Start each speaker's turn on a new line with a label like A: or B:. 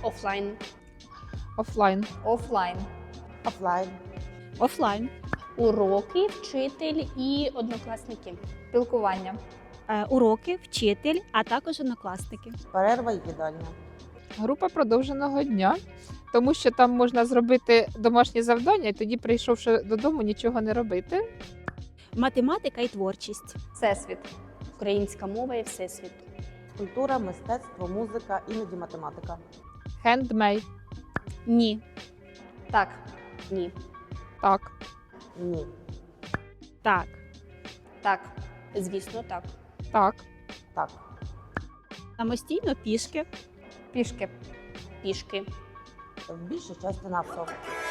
A: Офлайн.
B: Офлайн.
C: Офлайн.
D: Офлайн.
E: Офлайн.
A: Уроки, вчитель і однокласники.
C: Спілкування.
E: Уроки, вчитель, а також однокласники.
D: Перерва і їдальня.
B: Група продовженого дня, тому що там можна зробити домашні завдання і тоді, прийшовши додому, нічого не робити.
E: Математика і творчість.
C: Всесвіт.
A: Українська мова і всесвіт.
D: Культура, мистецтво, музика, іноді математика.
B: Хендмейд.
E: Ні.
C: Так.
A: Ні.
B: Так.
D: Ні.
E: Так.
C: Так.
A: Звісно, так.
B: Так.
D: Так.
E: Самостійно пішки.
C: Пішки.
A: Пішки.
D: В більшій часті на авто.